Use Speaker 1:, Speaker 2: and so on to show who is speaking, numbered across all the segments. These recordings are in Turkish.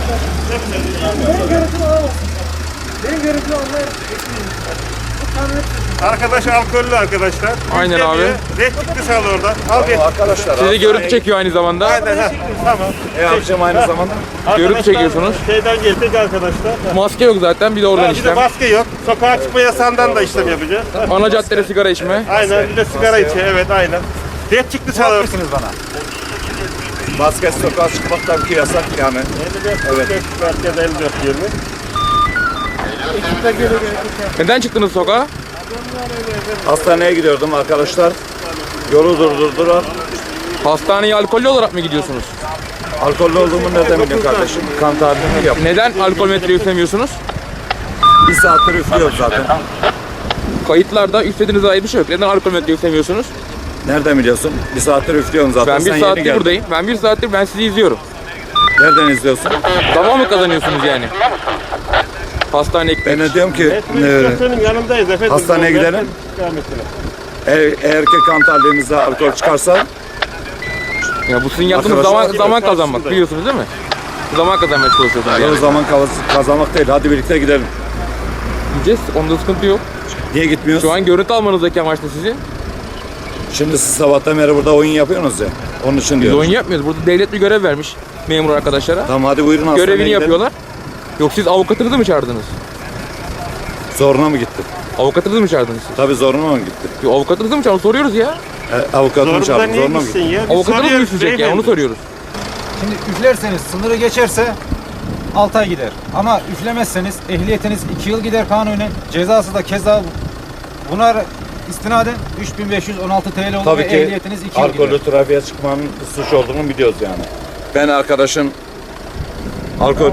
Speaker 1: Benim görüntümü alamazsın. Benim görüntümü almaya
Speaker 2: Arkadaş alkollü arkadaşlar.
Speaker 3: Aynen abi.
Speaker 2: Red çıktı sağ oradan. Al bir.
Speaker 4: Arkadaşlar.
Speaker 3: Sizi görüntü çekiyor aynı zamanda.
Speaker 2: Aynen ha. Tamam.
Speaker 4: Yapacağım aynı zamanda.
Speaker 3: Görüntü çekiyorsunuz.
Speaker 2: Şeyden geldik arkadaşlar.
Speaker 3: Maske yok zaten, bir de oradan
Speaker 2: Bir de
Speaker 3: işlem.
Speaker 2: maske yok. Sokağa çıkma yasağından da işlem yapacağız.
Speaker 3: Ana caddede sigara içme.
Speaker 2: Aynen. Bir de sigara içiyor. Evet aynen. Red çıktı sağ oradan.
Speaker 4: bana. Basket sokağa çıkmak tabii ki yasak yani.
Speaker 2: Evet. Merkez 54 20.
Speaker 3: Neden çıktınız sokağa?
Speaker 4: Hastaneye gidiyordum arkadaşlar. Yolu durdurdular.
Speaker 3: Hastaneye alkollü olarak mı gidiyorsunuz?
Speaker 4: Alkollü olduğumu nereden biliyorsun kardeşim? Kan tahlilini yap.
Speaker 3: Neden alkol metre üflemiyorsunuz?
Speaker 4: Bir saattir üflüyoruz zaten.
Speaker 3: Kayıtlarda üflediğinize dair bir şey yok. Neden alkol metre üflemiyorsunuz?
Speaker 4: Nereden biliyorsun? Bir saattir üflüyorsun zaten.
Speaker 3: Ben
Speaker 4: Sen
Speaker 3: bir
Speaker 4: yeni
Speaker 3: saattir
Speaker 4: geldin.
Speaker 3: buradayım. Ben bir saattir sizi izliyorum.
Speaker 4: Nereden izliyorsun?
Speaker 3: Zaman mı kazanıyorsunuz yani? Hastaneye gitmek.
Speaker 4: Ben de diyorum ki
Speaker 2: Senin yanındayız efendim.
Speaker 4: hastaneye gidelim. Eğer ki kan tahliyemizde alkol çıkarsa
Speaker 3: Ya bu sizin yaptığınız
Speaker 4: Arkadaşlar,
Speaker 3: zaman kazanmak, biliyorsunuz değil mi? Zaman kazanmaya çalışıyorsunuz
Speaker 4: o
Speaker 3: yani.
Speaker 4: zaman kazanmak değil. Hadi birlikte gidelim.
Speaker 3: Gideceğiz, onda sıkıntı yok.
Speaker 4: Niye gitmiyoruz?
Speaker 3: Şu an görüntü almanızdaki amaçlı sizin.
Speaker 4: Şimdi siz sabahtan beri burada oyun yapıyorsunuz ya. Onun için
Speaker 3: Biz
Speaker 4: diyorum.
Speaker 3: oyun yapmıyoruz. Burada devlet bir görev vermiş memur arkadaşlara.
Speaker 4: Tamam hadi buyurun hastaneye
Speaker 3: Görevini
Speaker 4: gidelim.
Speaker 3: yapıyorlar. Yok siz avukatınızı mı çağırdınız?
Speaker 4: Zoruna mı gitti?
Speaker 3: Avukatınızı mı çağırdınız siz?
Speaker 4: Tabii zoruna mı gitti?
Speaker 3: Yok avukatınızı mı çağırdınız? Soruyoruz ya.
Speaker 4: Avukatını çağırdım.
Speaker 2: niye
Speaker 4: Zoruna mı
Speaker 2: gitsin
Speaker 4: gitti?
Speaker 2: ya? Biz
Speaker 3: Avukatınız mı
Speaker 2: soruyoruz
Speaker 3: üfleyecek ya?
Speaker 2: beyefendi.
Speaker 3: Onu soruyoruz.
Speaker 5: Şimdi üflerseniz sınırı geçerse 6 ay gider. Ama üflemezseniz ehliyetiniz 2 yıl gider kanunen. Cezası da keza buna istinaden 3516 TL olur
Speaker 4: Tabii
Speaker 5: ve
Speaker 4: ki
Speaker 5: ehliyetiniz 2 yıl gider.
Speaker 4: alkollü trafiğe çıkmanın suç olduğunu biliyoruz yani. Ben arkadaşın alkol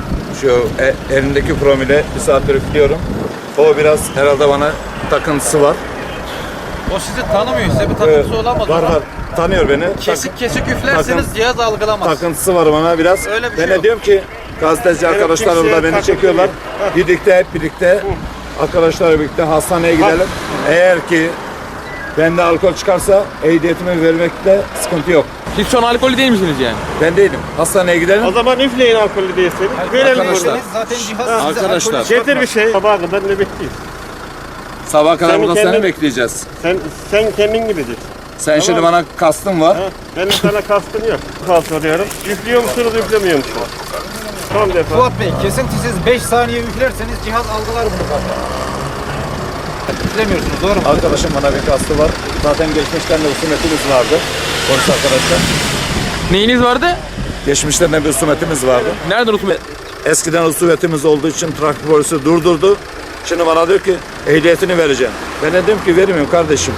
Speaker 4: elindeki promile bir saattir üflüyorum. O biraz herhalde bana takıntısı var.
Speaker 6: O sizi tanımıyor. Size bir takıntısı olamaz.
Speaker 4: Var var. Tanıyor beni.
Speaker 6: Kesik kesik üflerseniz
Speaker 4: takın-
Speaker 6: cihaz algılamaz.
Speaker 4: Takıntısı var bana biraz.
Speaker 6: Öyle bir
Speaker 4: Ben
Speaker 6: şey
Speaker 4: de
Speaker 6: yok.
Speaker 4: diyorum ki gazeteci arkadaşlar
Speaker 2: kimseye
Speaker 4: orada beni
Speaker 2: takıntı
Speaker 4: çekiyorlar.
Speaker 2: yok.
Speaker 4: Birlikte hep birlikte arkadaşlarla birlikte hastaneye gidelim. Eğer ki bende alkol çıkarsa ehliyetimi vermekte sıkıntı yok.
Speaker 3: Siz şu an alkollü değil misiniz yani?
Speaker 4: Ben değilim. Hastaneye gidelim.
Speaker 2: O zaman üfleyin alkollü değilseniz. Verelim
Speaker 4: arkadaşlar.
Speaker 2: bunu.
Speaker 5: Zaten cihaz size
Speaker 4: Arkadaşlar.
Speaker 5: alkolü
Speaker 2: Getir bir şey. Sabaha kadar nöbetteyiz.
Speaker 4: Sabah kadar
Speaker 2: Sen
Speaker 4: burada
Speaker 2: kendin-
Speaker 4: seni bekleyeceğiz.
Speaker 2: Sen kendin gideceksin.
Speaker 4: Sen şimdi bana kastın var.
Speaker 2: Ha? Benim sana kastım yok. Kal soruyorum. Üflüyor musunuz, üflemiyor musunuz? Son defa.
Speaker 5: Fuat Bey kesintisiz 5 saniye üflerseniz cihaz algılar bunu zaten. Üflemiyorsunuz doğru mu?
Speaker 4: Arkadaşım bana bir kastı var. Zaten geçmişten de husumetimiz vardı. Polis arkadaşlar.
Speaker 3: Neyiniz vardı?
Speaker 4: Geçmişten de bir husumetimiz vardı.
Speaker 3: Nereden husumet?
Speaker 4: Eskiden husumetimiz olduğu için trafik polisi durdurdu. Şimdi bana diyor ki ehliyetini vereceğim. Ben de dedim ki vermiyorum kardeşim.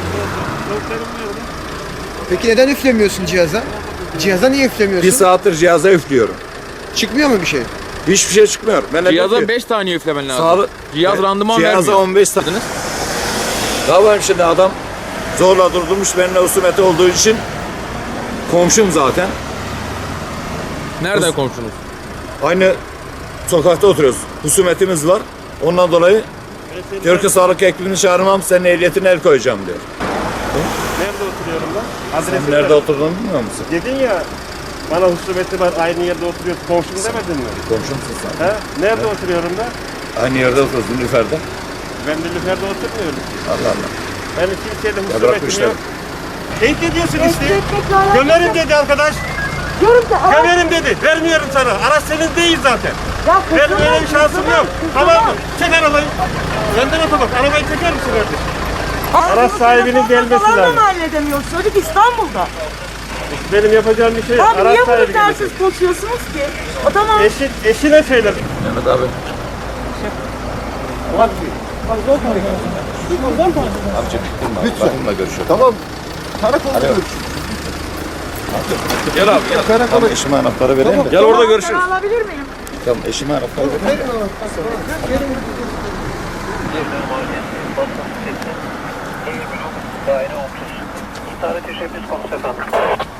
Speaker 1: Peki neden üflemiyorsun cihaza? Cihaza niye üflemiyorsun?
Speaker 4: Bir saattir cihaza üflüyorum.
Speaker 1: Çıkmıyor mu bir şey?
Speaker 4: Hiçbir şey çıkmıyor. Ben de diyorum
Speaker 3: Cihaza
Speaker 4: ki,
Speaker 3: 5 saniye üflemen lazım.
Speaker 4: sağlı-
Speaker 3: Cihaz randıman
Speaker 4: Cihaza
Speaker 3: vermiyor.
Speaker 4: 15 saniye. Ne yapayım şimdi adam zorla durdurmuş benimle husumeti olduğu için. Komşum zaten.
Speaker 3: Nereden komşunuz?
Speaker 4: Aynı sokakta oturuyoruz. Husumetimiz var. Ondan dolayı diyor ki sağlık ekibini çağırmam, senin ehliyetine el koyacağım diyor.
Speaker 2: Nerede oturuyorum ben?
Speaker 4: Sen
Speaker 2: Adresi
Speaker 4: nerede
Speaker 2: ver.
Speaker 4: oturduğunu bilmiyor musun?
Speaker 2: Dedin ya, bana husumeti var, aynı yerde oturuyoruz. Komşum demedin mi?
Speaker 4: Komşumsun sen.
Speaker 2: He? Nerede oturuyorum ben?
Speaker 4: Aynı yerde oturuyoruz Nilüfer'de.
Speaker 2: Ben de Lüfer'de oturmuyorum.
Speaker 4: Allah Allah.
Speaker 2: Benim kimseyle
Speaker 4: Ya
Speaker 2: husumetim
Speaker 4: bırakmışlar.
Speaker 2: yok. Teyit ediyorsun işte. Gömerim dedi arkadaş.
Speaker 7: Diyorum ki araç
Speaker 2: Gömerim dedi. Vermiyorum sana. Araç senin değil zaten.
Speaker 7: ya
Speaker 2: Benim öyle bir şansım yok. Tamam mı? Çek arabayı. Benden otomak. Arabayı çeker misin kardeşim? Araç sahibinin gelmesi lazım.
Speaker 7: mı halledemiyoruz? Söyledik İstanbul'da.
Speaker 2: Benim yapacağım bir şey yok.
Speaker 7: Abi
Speaker 2: Araç
Speaker 7: niye bunu
Speaker 2: sahibi gelecek.
Speaker 7: tersiz konuşuyorsunuz ki? O tamam.
Speaker 2: Eşine söyledim.
Speaker 4: Mehmet abi. Abicim lütfen. Bakımla görüşüyor.
Speaker 1: Tamam. Karakolda görüşürüz.
Speaker 4: Gel abi gel. Tamam eşime anahtarı vereyim de. Gel orada görüşürüz.
Speaker 7: Ben alabilir miyim?
Speaker 4: Tamam eşime anahtarı vereyim.
Speaker 8: Daire 30. İstihare teşebbüs konusu efendim.